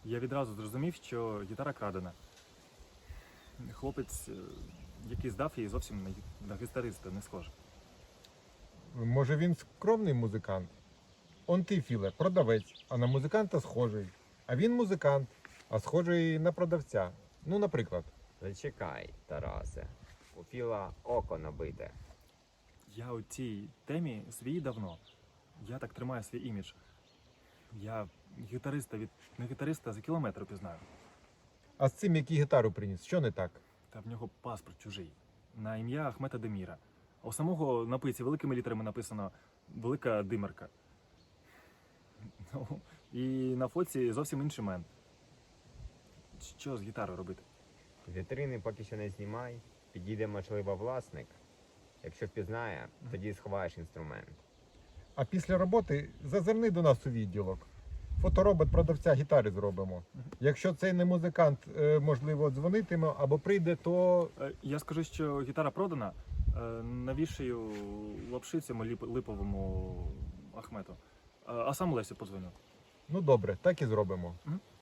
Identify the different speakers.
Speaker 1: Я відразу зрозумів, що гітара крадена. Хлопець, який здав її, зовсім на гітариста не схожий.
Speaker 2: Може він скромний музикант? Он ти, Філе, продавець, а на музиканта схожий. А він музикант, а схожий на продавця. Ну, наприклад.
Speaker 3: Зачекай, Тарасе. У Філа око набите.
Speaker 1: Я у цій темі свій давно. Я так тримаю свій імідж. Я гітариста від не гітариста за кілометр пізнаю.
Speaker 2: А з цим, який гітару приніс, що не так?
Speaker 1: Та в нього паспорт чужий. На ім'я Ахмета Деміра. А у самого на пиці великими літерами написано Велика Димерка. Ну, і на фоці зовсім інший мен. Що з гітарою робити?
Speaker 3: З вітрини поки що не знімай. Підійде, можливо, власник. Якщо впізнає, тоді сховаєш інструмент.
Speaker 2: А після роботи зазирни до нас у відділок. Фоторобот продавця гітари зробимо. Якщо цей не музикант, можливо, дзвонитиме або прийде, то
Speaker 1: Я скажу, що гітара продана. Навішаю лапши цьому липовому Ахмету. А сам Лесю подзвоню.
Speaker 2: ну добре, так і зробимо.